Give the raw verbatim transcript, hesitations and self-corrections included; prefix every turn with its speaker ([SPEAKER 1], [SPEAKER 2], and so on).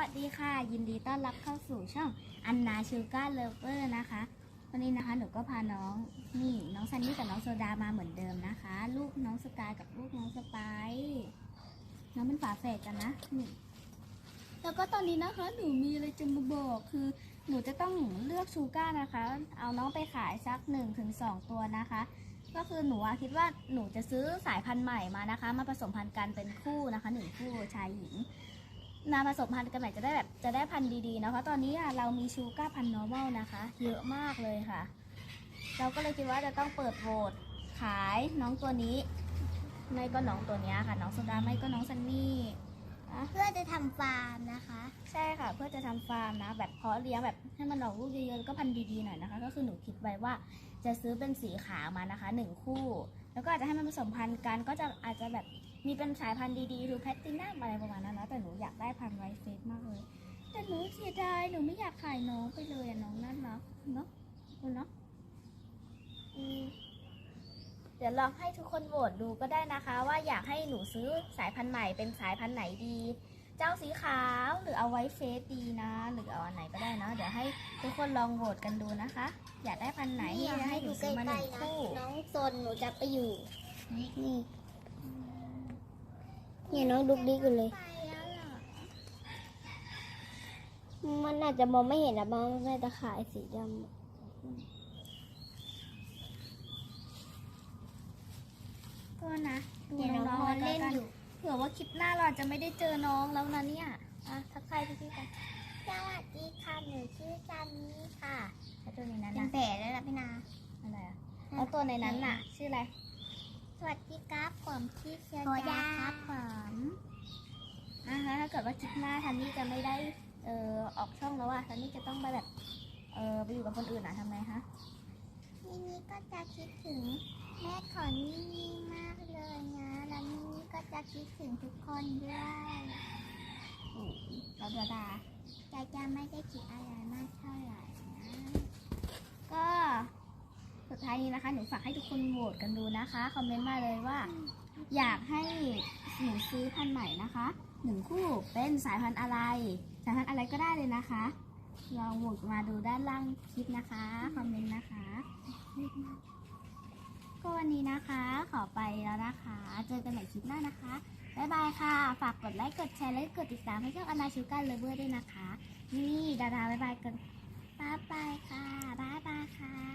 [SPEAKER 1] วัสดีค่ะยินดีต้อนรับเข้าสู่ช่องอันนาชูการ์เลเวอร์นะคะวันนี้นะคะหนูก็พาน้องนี่น้องซันนี่กับน้องโซดามาเหมือนเดิมนะคะ ลูกน้องสกายกับลูกน้องสไปซ์น้องเป็นฝาแฝดกันนะนี่แล้วก็ตอนนี้นะคะหนูมีอะไรจะมาบอกคือหนูจะต้องเลือกชูการ์นะคะเอาน้องไปขายสักหนึ่งถึงสองตัวนะคะก็คือหนูคิดว่าหนูจะซื้อสายพันธุ์ใหม่มานะคะมาผสมพันธุ์กันเป็นคู่นะคะหนึ่งคู่ชายหญิงนาผสมพันธุ์กันใหม่จะได้แบบจะได้พันธุ์ดีๆนะเพราะตอนนี้เรามีชูการ์พันธุ์ normal นะคะเยอะมากเลยค่ะเราก็เลยคิดว่าจะต้องเปิดโหวตขายน้องตัวนี้ไม่ก็น้องตัวนี้ค่ะน้องโซดาไม่ก็น้องซันนี่
[SPEAKER 2] เพื่อจะทำฟาร์มนะคะ
[SPEAKER 1] ใช่ค่ะเพื่อจะทำฟาร์มนะแบบเพาะเลี้ยงแบบให้มันออกลูกเยอะๆแล้วก็พันธุ์ดีๆหน่อยนะคะก็คือหนูคิดไว้ว่าจะซื้อเป็นสีขาวมานะคะหนึ่งคู่แล้วก็อาจจะให้มันผสมพันธุ์กันก็จะอาจจะแบบมีเป็นสายพันธุ์ดีๆหรือแพตตินัมอะไรประมาณนั้นนะแต่หนูอยากได้พันธุ์ไวท์เฟสมากเลยแต่หนูเสียดายหนูไม่อยากขายน้องไปเลยอะน้องน่ารักเนาะคุณเนาะเดี๋ยวลองให้ทุกคนโหวตดูก็ได้นะคะว่าอยากให้หนูซื้อสายพันธุ์ใหม่เป็นสายพันธุ์ไหนดีเจ้าสีขาวหรือเอาไว้เฟสดีนะหรือเอาอันไหนก็ได้นะเดี๋ยวให้ทุกคนลองโหวตกันดูนะคะอยากได้พันธุ์ไหนที่จะให้หนูซื้อมาหนึ่งคู่
[SPEAKER 2] น้องโซนหนูจะไปอยู่นี่เนี่ยน้องดุกดิกอยู่เลยมันอาจจะมองไม่เห็นนะบางแม่ตะข่ายสีดำ
[SPEAKER 1] ก็นะดูน้องๆเล่นอยู่เผื่อว่าคลิปหน้าเราจะไม่ได้เจอน้องแล้วนะเนี่ยอ่ะทักทายพี่ๆกัน
[SPEAKER 2] สวัสดีค่ะหนูชื่อจันนี่ค่ะ
[SPEAKER 1] แล้วตัวในนั้น
[SPEAKER 2] เป็น
[SPEAKER 1] นะ
[SPEAKER 2] แผลแล้วล่ะพี่นา
[SPEAKER 1] อะไรอ่ะแล้วตัวในนั้นน่ะชื่ออะไร
[SPEAKER 2] สวัสดีครับผมชื่อเชียร์ดาครับผม
[SPEAKER 1] นะคะถ้าเกิดว่าคลิปหน้าทันนี่จะไม่ได้เอ่อออกช่องแล้วอ่ะทันนี่จะต้องไปแบบเออไปอยู่กับคนอื่นอ่ะทำไงคะ
[SPEAKER 2] นี่นี่ก็จะคิดถึงแม่ขอนี่นี่มากเลยนะแล้วนี่ก็จะคิดถึงทุกคนด้วย
[SPEAKER 1] เราดาดา
[SPEAKER 2] จะจะไม่ได้คิดอะไรมากเท่าไหร่นะ
[SPEAKER 1] ก็สุดท้ายนี้นะคะหนูฝากให้ทุกคนโหวตกันดูนะคะคอมเมนต์มาเลยว่าอยากให้หนูซื้อพันธุ์ใหม่นะคะหนึ่งคู่เป็นสายพันธุ์อะไรสายพันธุ์อะไรก็ได้เลยนะคะลองโหวตมาดูด้านล่างคลิปนะคะคอมเมนต์นะคะก็วันนี้นะคะขอไปแล้วนะคะเจอกันใหม่คลิปหน้านะคะบ๊ายบายค่ะฝากกดไลค์กดแชร์และกดติดตามให้ช่องอนาชูการ์เลเวอร์ด้วยนะคะนี่ดาราบ๊ายบายกันบ๊ายบายค่ะบ๊ายบายค่ะ